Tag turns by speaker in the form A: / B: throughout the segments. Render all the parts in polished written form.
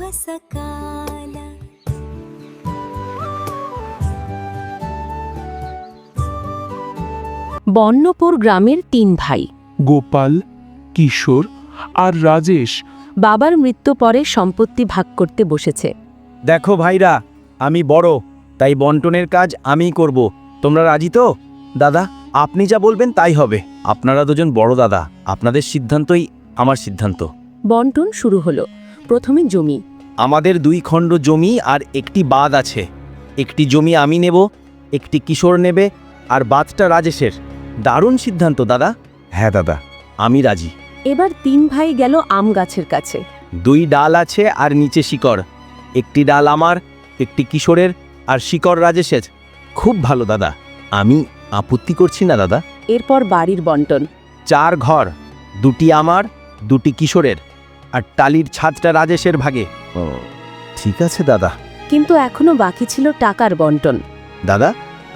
A: सकाल।
B: বর্ণপুর গ্রামের 3 ভাই।
C: গোপাল, কিশোর আর রাজেশ।
B: বাবার মৃত্যু পরে সম্পত্তি ভাগ করতে বসেছে।
D: দেখো ভাইরা, আমি বড়, তাই বন্টনের কাজ আমিই করব। তোমরা রাজি তো? দাদা, আপনি যা বলবেন তাই হবে। আপনারা দুজন বড় দাদা, আপনাদের সিদ্ধান্তই আমার সিদ্ধান্ত।
B: বন্টন শুরু হলো। প্রথমে জমি।
D: আমাদের 2 খণ্ড জমি আর একটি বাঁধ আছে। একটি জমি আমি নেব, একটি কিশোর নেবে, আর বাঁধটা রাজেশের। দারুণ সিদ্ধান্ত দাদা। হ্যাঁ দাদা, আমি রাজি।
B: এবার 3 ভাই গেল আম গাছের কাছে।
D: 2 ডাল আছে আর নিচে শিকড়। একটি ডাল আমার, একটি কিশোরের, আর শিকড় রাজেশের। খুব ভালো দাদা, আমি আপত্তি করছি না দাদা।
B: এরপর বাড়ির বন্টন।
D: 4 ঘর, 2টি আমার, 2টি কিশোরের, আর টালির ছাদটা রাজেশের ভাগে। ও ঠিক আছে দাদা।
B: কিন্তু এখনো বাকি ছিল টাকার বন্টন।
D: দাদা,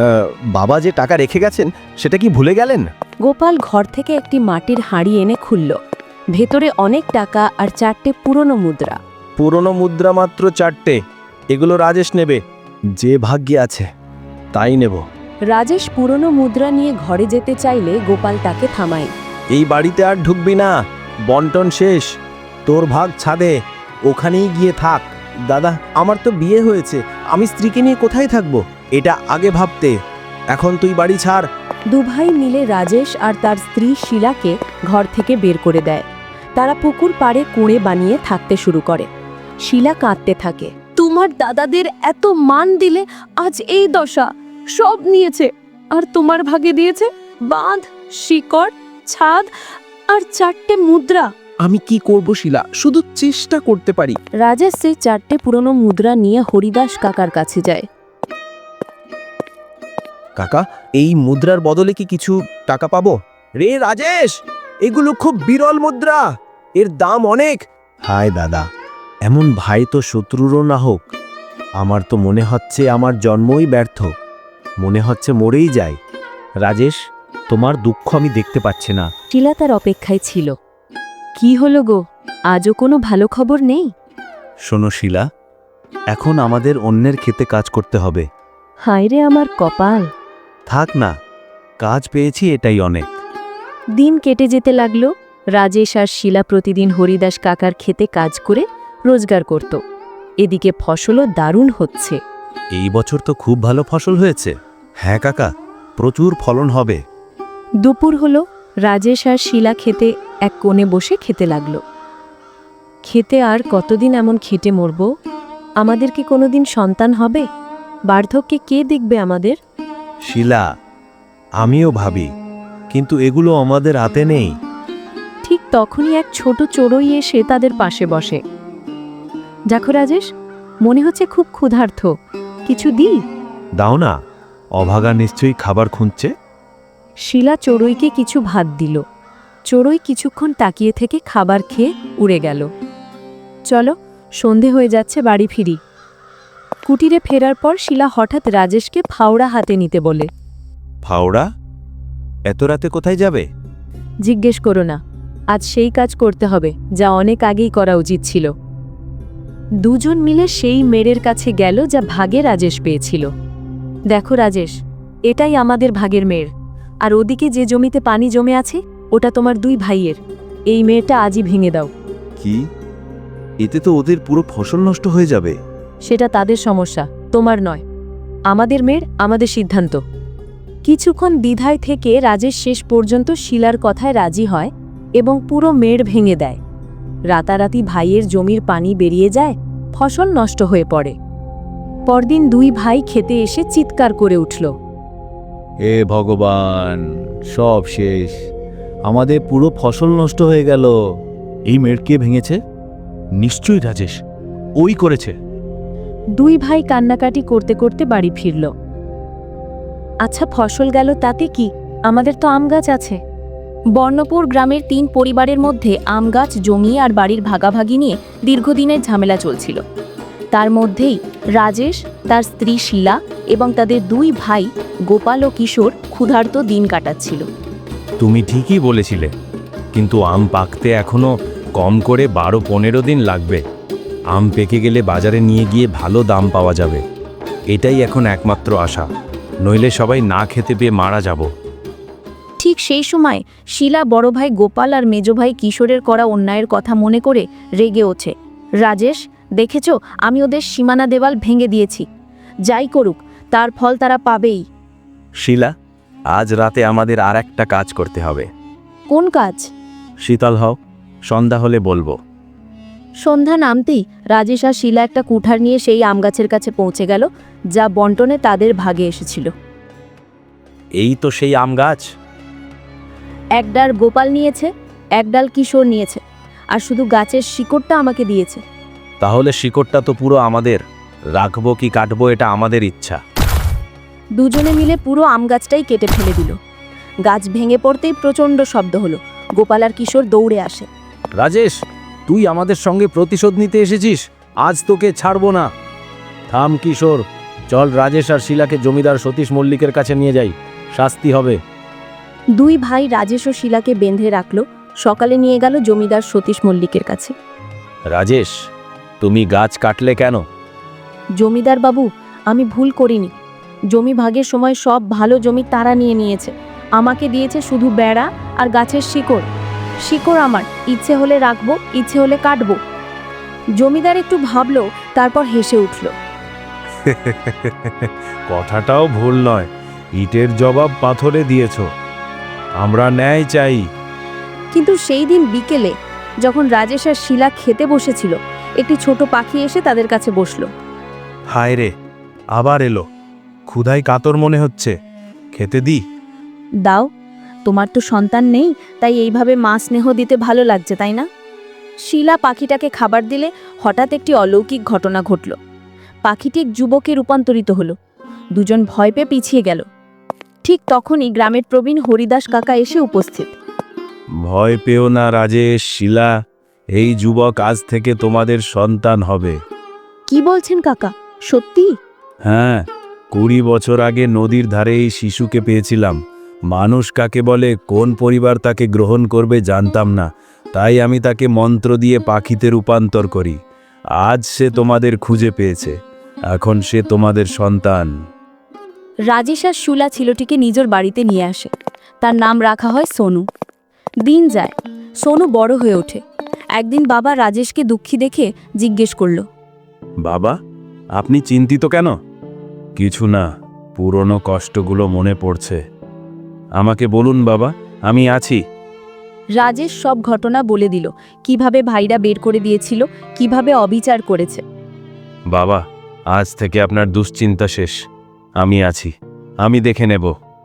D: বাবা যে টাকা রেখে গেছেন সেটা কি ভুলে গেলেন?
B: গোপাল ঘর থেকে একটি মাটির হাঁড়ি এনে খুলল। ভেতরে অনেক টাকা আর 4টে পুরনো মুদ্রা।
D: পুরনো মুদ্রা মাত্র 4টে। এগুলো রাজেশ নেবে। যে ভাগ্যে আছে তাই নেব।
B: রাজেশ পুরনো মুদ্রা নিয়ে ঘরে যেতে চাইলে গোপাল তাকে থামায়।
D: এই বাড়িতে আর ঢুকবি না, বন্টন শেষ। তোর ভাগ ছাদে, ওখানেই গিয়ে থাক। দাদা, আমার তো বিয়ে হয়েছে, আমি স্ত্রীকে নিয়ে কোথায় থাকবো? এটা আগে ভাবতে। এখন তুই বাড়ি ছাড়।
B: 2 ভাই মিলে রাজেশ আর তার স্ত্রী শিলাকে ঘর থেকে বের করে দেয়। তারা পুকুর পাড়ে কুঁড়ে বানিয়ে থাকতে শুরু করে। শিলা কাঁদতে থাকে। তোমার দাদাদের এত মান দিলে আজ এই দশা। সব নিয়েছে, আর তোমার ভাগে দিয়েছে বাঁধ, শিকড়, ছাদ আর 4টে মুদ্রা।
C: আমি কি করব শিলা, শুধু চেষ্টা করতে পারি।
B: রাজেশ সেই 4টে পুরনো মুদ্রা নিয়ে হরিদাস কাকার কাছে যায়।
D: কাকা, এই মুদ্রার বদলে কি কিছু টাকা পাবো? রে রাজেশ, এগুলো খুব বিরল মুদ্রা, এর দাম অনেক। হায় দাদা, এমন ভাই তো শত্রুরও না হোক। আমার তো মনে হচ্ছে আমার জন্মই ব্যর্থ, মনে হচ্ছে মরেই যায়। রাজেশ, তোমার দুঃখ আমি দেখতে পাচ্ছি না।
B: শিলা তার অপেক্ষায় ছিল। কি হলো গো, আজও কোনো ভালো খবর নেই?
D: শোনো শিলা, এখন আমাদের অন্যের ক্ষেতে কাজ করতে হবে।
B: হায় রে আমার কপাল।
D: থাক না, কাজ পেয়েছি এটাই অনেক।
B: দিন কেটে যেতে লাগলো। রাজেশ আর শিলা প্রতিদিন হরিদাস কাকার খেতে কাজ করে রোজগার করত। এদিকে ফসলও দারুণ হচ্ছে।
D: এই বছর তো খুব ভালো ফসল হয়েছে। হ্যাঁ কাকা, প্রচুর ফলন হবে।
B: দুপুর হলো। রাজেশ আর শিলা খেতে এক কোণে বসে খেতে লাগলো। খেতে আর কতদিন এমন খেটে মরব? আমাদের কি কোনোদিন সন্তান হবে? বার্ধক্যে কে দেখবে আমাদের?
D: শিলা, আমিও ভাবি, কিন্তু এগুলো আমাদের হাতে নেই।
B: ঠিক তখনই এক ছোট চড়ুই এসে তাদের পাশে বসে। দেখো রাজেশ, মনে হচ্ছে খুব ক্ষুধার্ত, কিছু দিই?
D: দাও না, অভাগা নিশ্চয়ই খাবার খুঁজছে।
B: শিলা চড়ুইকে কিছু ভাত দিল। চড়ুই কিছুক্ষণ তাকিয়ে থেকে খাবার খেয়ে উড়ে গেল। চলো, সন্ধে হয়ে যাচ্ছে, বাড়ি ফিরি। কুটিরে ফেরার পর শিলা হঠাৎ রাজেশকে ফাওড়া হাতে নিতে বলে।
D: ফাওড়া? এত রাতে কোথায় যাবে?
B: জিজ্ঞেস করো না, আজ সেই কাজ করতে হবে যা অনেক আগেই করা উচিত ছিল। দুজন মিলে সেই মেয়ের কাছে গেল যা ভাগে রাজেশ পেয়েছিল। দেখো রাজেশ, এটাই আমাদের ভাগের মেয়ের, আর ওদিকে যে জমিতে পানি জমে আছে ওটা তোমার 2 ভাইয়ের। এই মেয়েটা আজই ভেঙে দাও।
D: কি? এতে তো ওদের পুরো ফসল নষ্ট হয়ে যাবে।
B: সেটা তাদের সমস্যা, তোমার নয়। আমাদের মেয়ের, আমাদের সিদ্ধান্ত। কিছুক্ষণ দ্বিধায় থেকে রাজেশ শেষ পর্যন্ত শিলার কথায় রাজি হয় এবং পুরো মেড় ভেঙে দেয়। রাতারাতি ভাইয়ের জমির পানি বেরিয়ে যায়, ফসল নষ্ট হয়ে পড়ে। পরদিন 2 ভাই খেতে এসে চিৎকার করে উঠল।
D: হে ভগবান, সব শেষ, আমাদের পুরো ফসল নষ্ট হয়ে গেল। এই মেয়ের কে ভেঙেছে? নিশ্চয়ই রাজেশ, ওই করেছে।
B: 2 ভাই কান্নাকাটি করতে করতে বাড়ি ফিরল। আচ্ছা, ফসল গেল তাতে কি, আমাদের তো আম গাছ আছে। বর্ণপুর গ্রামের 3 পরিবারের মধ্যে আম গাছ, জমি আর বাড়ির ভাগাভাগি নিয়ে দীর্ঘদিনের ঝামেলা চলছিল। তার মধ্যেই রাজেশ, তার স্ত্রী শিলা এবং তাদের 2 ভাই গোপাল ও কিশোর ক্ষুধার্ত দিন কাটাচ্ছিল।
D: তুমি ঠিকই বলেছিলে, কিন্তু আম পাকতে এখনো কম করে 12-15 দিন লাগবে।
A: আম পেকে গেলে বাজারে নিয়ে গিয়ে ভালো দাম পাওয়া যাবে। এটাই এখন একমাত্র আশা, নইলে সবাই না খেতে পেয়ে মারা যাব।
B: ঠিক সেই সময় শিলা বড় ভাই গোপাল আর মেজ ভাই কিশোরের করা অন্যায়ের কথা মনে করে রেগে ওঠে। রাজেশ, দেখেছো, আমি ওদের সীমানা দেওয়াল ভেঙে দিয়েছি। যাই করুক, তার ফল তারা পাবেই।
A: শিলা, আজ রাতে আমাদের আর একটা কাজ করতে হবে।
B: কোন কাজ?
A: শীতল হও, সন্ধ্যা হলে বলবো।
B: সন্ধ্যা নামতেই রাজেশ আর শিলা একটা কুঠার নিয়ে সেই আম গাছের কাছে পৌঁছে গেল, যা বন্টনে তাদের ভাগে এসেছিল।
A: এই তো সেই আম গাছ।
B: এক ডাল গোপাল নিয়েছে, এক ডাল কিশোর নিয়েছে, আর শুধু গাছের শিকড়টা আমাকে দিয়েছে।
A: তাহলে শিকড়টা তো পুরো আমাদের, রাখবো কি কাটবো এটা আমাদের ইচ্ছা।
B: দুজনে মিলে পুরো আম গাছটাই কেটে ফেলে দিল। গাছ ভেঙে পড়তেই প্রচণ্ড শব্দ হলো। গোপাল আর কিশোর দৌড়ে আসে।
A: রাজেশ, তুই আমাদের সঙ্গে প্রতিশোধ নিতে এসেছিস, আজ তোকে ছাড়বো না। থাম কিশোর, চল রাজেশ আর শিলাকে জমিদার সতীশ মল্লিকের কাছে নিয়ে যাই, শাস্তি হবে।
B: দুই ভাই রাজেশ ও শিলাকে বেঁধে রাখল। সকালে নিয়ে গেল জমিদার সতীশ মল্লিকের কাছে।
A: রাজেশ, তুমি গাছ কাটলে কেন?
B: জমিদার বাবু, আমি ভুল করিনি। জমি ভাগের সময় সব ভালো জমি তারা নিয়ে নিয়েছে। আমাকে দিয়েছে শুধু বেড়া আর গাছের শিকড়। শিকড় আমার, ইচ্ছে হলে রাখবো, ইচ্ছে হলে কাটবো। জমিদার একটু ভাবলো, তারপর হেসে উঠল।
A: কথাটাও ভুল নয়, ইটের জবাব পাথরে দিয়েছ। আমরা ন্যায় চাই।
B: কিন্তু সেই দিন বিকেলে যখন রাজেশ আর শিলা খেতে বসেছিল, একটি ছোট পাখি এসে তাদের কাছে বসলো।
A: হায় রে, আবার এলো। ক্ষুধায় কাতর মনে হচ্ছে, খেতে দি।
B: দাও, তোমার তো সন্তান নেই, তাই এইভাবে মা স্নেহ দিতে ভালো লাগছে, তাই না? শিলা পাখিটাকে খাবার দিলে হঠাৎ একটি অলৌকিক ঘটনা ঘটল। পাখিটি এক যুবকে রূপান্তরিত হলো। দুজন ভয় পেয়ে পিছিয়ে গেল। ঠিক তখনই গ্রামের প্রবীণ হরিদাস কাকা এসে উপস্থিত।
A: ভয় পেও না রাজেশ, শিলা, এই যুবক আজ থেকে তোমাদের সন্তান হবে।
B: কি বলছেন কাকা, সত্যি?
A: হ্যাঁ, 20 বছর আগে নদীর ধারে এই শিশুকে পেয়েছিলাম। মানুষ কাকে বলে, কোন পরিবার তাকে গ্রহণ করবে জানতাম না, তাই আমি তাকে মন্ত্র দিয়ে পাখিতে রূপান্তর করি। আজ সে তোমাদের খুঁজে পেয়েছে, এখন সে তোমাদের সন্তান।
B: রাজেশ আর শুলা ছেলেটিকে নিজের বাড়িতে নিয়ে আসে। তার নাম রাখা হয় সোনু। দিন যায়, সোনু বড় হয়ে ওঠে। একদিন বাবা রাজেশকে দুঃখী দেখে জিজ্ঞেস করল,
A: বাবা, আপনি চিন্তিত কেন? কিছু না, পুরনো কষ্টগুলো মনে পড়ছে। আমাকে বলুন বাবা, আমি আছি।
B: রাজেশ সব ঘটনা বলে দিল, কিভাবে ভাইরা বের করে দিয়েছিল, কিভাবে অবিচার করেছে।
A: বাবা, আজ থেকে আপনার দুশ্চিন্তা শেষ। আমি আছি, আমি দেখে নেব।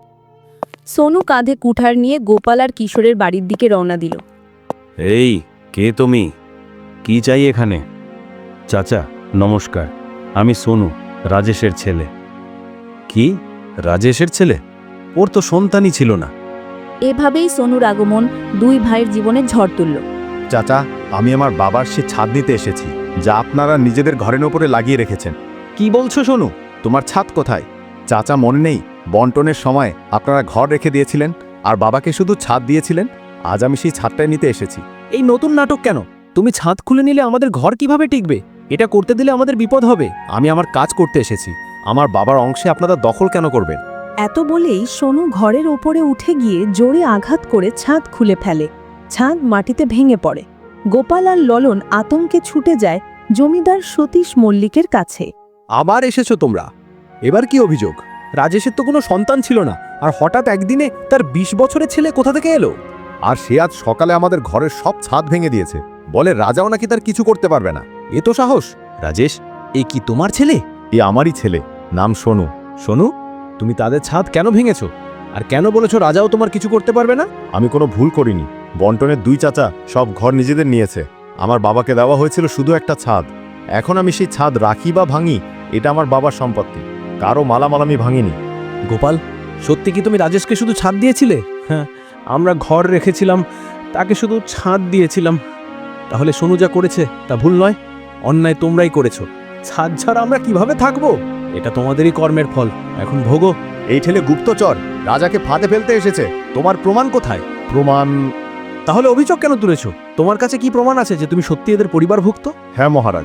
B: সোনু কাঁধে কুঠার নিয়ে গোপাল আর কিশোরের বাড়ির দিকে রওনা দিল।
A: এই, কে তুমি? কি চাই এখানে? চাচা নমস্কার, আমি সোনু, রাজেশের ছেলে। কি, রাজেশের ছেলে? ওর তো সন্তানই ছিল না।
B: এভাবেই সোনুর আগমন দুই ভাইয়ের জীবনে ঝড় তুলল।
E: চাচা, আমি আমার বাবার সে ছাদ নিতে এসেছি, যা আপনারা নিজেদের ঘরের ওপরে লাগিয়ে রেখেছেন। কি বলছো সোনু? তোমার ছাদ কোথায়? চাচা, মনে নেই বন্টনের সময় আপনারা ঘর রেখে দিয়েছিলেন আর বাবাকে শুধু ছাদ দিয়েছিলেন? আজ আমি সেই ছাদটাই নিতে এসেছি।
C: এই নতুন নাটক কেন? তুমি ছাদ খুলে নিলে আমাদের ঘর কিভাবে টিকবে? এটা করতে দিলে আমাদের বিপদ হবে।
E: আমি আমার কাজ করতে এসেছি, আমার বাবার অংশে আপনারা দখল কেন করবেন?
F: এত বলেই সোনু ঘরের ওপরে উঠে গিয়ে জোরে আঘাত করে ছাদ খুলে ফেলে। ছাদ মাটিতে ভেঙে পড়ে। গোপাল আর ললন আতঙ্কে ছুটে যায় জমিদার সতীশ মল্লিকের কাছে।
E: আবার এসেছো তোমরা? এবার কি অভিযোগ?
C: রাজেশের তো কোনো সন্তান ছিল না, আর হঠাৎ একদিনে তার 20 বছরের ছেলে কোথা থেকে এলো?
E: আর সে আজ সকালে আমাদের ঘরের সব ছাদ ভেঙে দিয়েছে, বলে রাজাও নাকি তার কিছু করতে পারবে না।
C: এ তো সাহস! রাজেশ, এ কি তোমার ছেলে?
E: এ আমারই ছেলে, নাম সোনু।
C: সোনু, তুমি তাদের ছাদ কেন ভেঙেছো? আর কেন বলেছো রাজাও তোমার কিছু করতে পারবে না?
E: আমি কোনো ভুল করিনি। বন্টনের দুই চাচা সব ঘর নিজেদের নিয়েছে। আমার বাবাকে দেওয়া হয়েছিল শুধু একটা ছাদ। এখন আমি সেই ছাদ রাখি বা ভাঙি, এটা আমার বাবার সম্পত্তি। কারো মালামাল আমি ভাঙিনি।
C: গোপাল, সত্যি কি তুমি রাজেশকে শুধু ছাদ দিয়েছিলে? হ্যাঁ, আমরা ঘর রেখেছিলাম, তাকে শুধু ছাদ দিয়েছিলাম। তাহলে সোনু যা করেছে তা ভুল নয়, অন্যায় তোমরাই করেছো। ছাদ ছাড়া আমরা কিভাবে থাকবো? এটা তোমাদেরই কর্মের ফল, এখন ভোগো।
E: এই ছেলে গুপ্তচর, রাজাকে ফাঁদে ফেলতে এসেছে। তোমার প্রমাণ কোথায়? প্রমাণ?
C: তাহলে অভিযোগ কেন তুলেছো? তোমার কাছে কি প্রমাণ আছে যে তুমি সত্যি এদের পরিবারভুক্ত?
E: হ্যাঁ মহারাজ,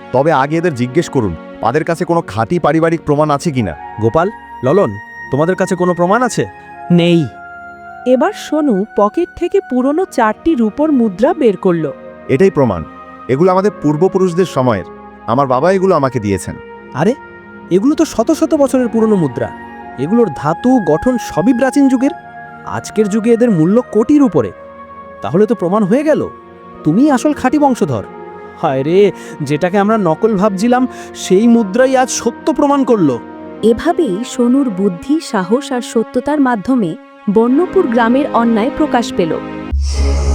E: তবে আগে এদের জিজ্ঞেস করুন তাদের কাছে কোনো খাঁটি পারিবারিক প্রমাণ আছে কিনা।
C: গোপাল, ললন, তোমাদের কাছে কোনো প্রমাণ আছে? নেই।
F: এবার সোনু পকেট থেকে পুরনো 4টি রূপোর মুদ্রা বের করল।
E: এটাই প্রমাণ, এগুলো আমাদের পূর্বপুরুষদের সময়ের। আমার বাবা এগুলো আমাকে দিয়েছেন।
C: আরে, এগুলো তো শত শত বছরের পুরনো মুদ্রা। এগুলোর ধাতু গঠন সবই প্রাচীন যুগের। আজকের যুগে এদের মূল্য কোটির উপরে। তাহলে তো প্রমাণ হয়ে গেল তুমি আসল খাঁটি বংশধর। হায় রে, যেটাকে আমরা নকল ভাবছিলাম সেই মুদ্রাই আজ সত্য প্রমাণ করলো।
B: এভাবেই সোনুর বুদ্ধি, সাহস আর সত্যতার মাধ্যমে বর্ণপুর গ্রামের অন্যায় প্রকাশ পেল।